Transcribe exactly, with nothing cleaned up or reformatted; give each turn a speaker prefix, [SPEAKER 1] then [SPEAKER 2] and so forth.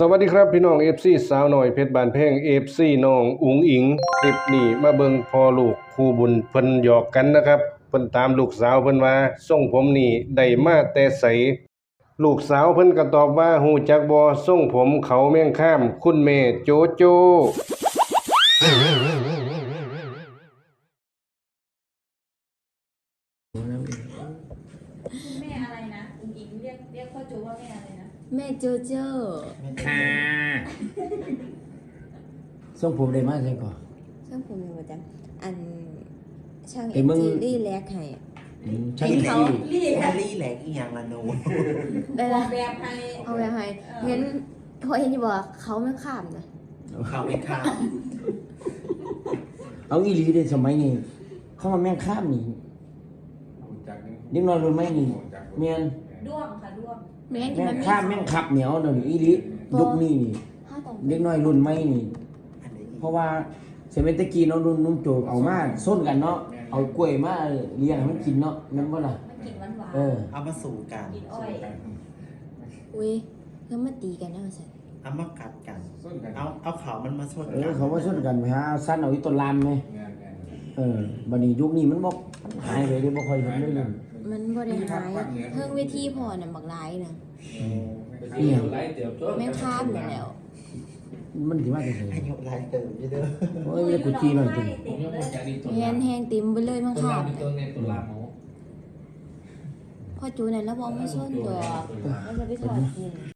[SPEAKER 1] วัสดีครับพี่น้อง เอฟ ซี สาวหน่อยเพชรบานแพง เอฟ ซี น้องอุ๋งอิงคลิปนี้มาเบิ่งพ่อลูกคู่บุญเพิ่นหยอกกันนะครับเพิ่นตามลูกสาวเพิ่นว่าทรงผมนี่ได้มาแต่ไสลูกสาวเพิ่นก็ตอบว่าฮู้จักบ่ทรงผมเขาแม่งข้ามคุณแม่โจโจ
[SPEAKER 2] แม่อะไรนะอุ๋งอิงเรียกเรียกพ่อโจว่าแม่อะไรนะ
[SPEAKER 3] แม่โจโจ้
[SPEAKER 4] ค่ะส่งผมได้มากเลยก่อน
[SPEAKER 3] ช่างผมอยู่ประจำอันช่าง
[SPEAKER 4] ไอ้
[SPEAKER 3] เอ็ม
[SPEAKER 4] มึง
[SPEAKER 3] จีรี่แลกให้
[SPEAKER 4] ช่าง
[SPEAKER 3] เห็นเขา
[SPEAKER 2] รีบ
[SPEAKER 5] แฮร์รี่แหลกอีหยังละหนู
[SPEAKER 3] ได้
[SPEAKER 2] อ
[SPEAKER 3] ละ
[SPEAKER 2] อกแบบให้
[SPEAKER 3] เอาไปให้เห็นพอเห็นอยู่บอกเขาไม่ข้ามนะ
[SPEAKER 5] เขาไม่ข้าม
[SPEAKER 4] เอาอีหลีได้สมัยนี้เข้ามาแม่งข้ามนี่เด็กน้อยรุ่นใหม่นี่แม่น
[SPEAKER 2] ด้วงค่ะด้วง
[SPEAKER 3] แม่งที่
[SPEAKER 4] แม่
[SPEAKER 3] มั
[SPEAKER 4] ง
[SPEAKER 3] น
[SPEAKER 4] ข้ามแม่งขับเหนียวเดี๋ยวนี้อีหลียุคนี้นี่
[SPEAKER 3] ห้าตอง
[SPEAKER 4] เด็กน้อยรุ่นใหม่นี่
[SPEAKER 5] อันนี้
[SPEAKER 4] เพราะว่าเซเมนตะกี้เนาะรุ่นนุ่มโจเอามาส้นกันเนาะเอากล้วยมาเลี้ยงให้มันกินเนาะแม่นบ่ล่ะ
[SPEAKER 2] มันกลิ่นหวานหวาน
[SPEAKER 4] เออ
[SPEAKER 5] เอามาสู่กัน
[SPEAKER 2] กลิ่นอ้อย
[SPEAKER 3] อุ้ยแล้วมาตีกันนะมาสั่น
[SPEAKER 5] เอามากัดกัน เอาเอาเขามันมาชน
[SPEAKER 4] เอ
[SPEAKER 5] กั
[SPEAKER 4] อน เขามาส้นกันไปหาสั้นเอาอีต้นลามไหมเออบัดนี้ยุคนี้มันบ่หายไปเลยบ่ค่อยเห็นเลยเลย
[SPEAKER 3] มันบ่ได้หายเพิ่งเวทีพอน่ะบักหลายน่ะ
[SPEAKER 4] อีหยัง
[SPEAKER 3] แม่งข้ามนั่นแหล้ว
[SPEAKER 4] มันสิมาจังไส
[SPEAKER 5] อายุไรเติมพี่เด้อ
[SPEAKER 4] โอ้ยกูจีหน่อยจัง
[SPEAKER 2] ติดเลย
[SPEAKER 3] แฮนแฮงติมไปเลยมั่งข้ามน่ะพอจูนั่นแล้วบ่มาส้นดอกแล้วจะไปถอดกิน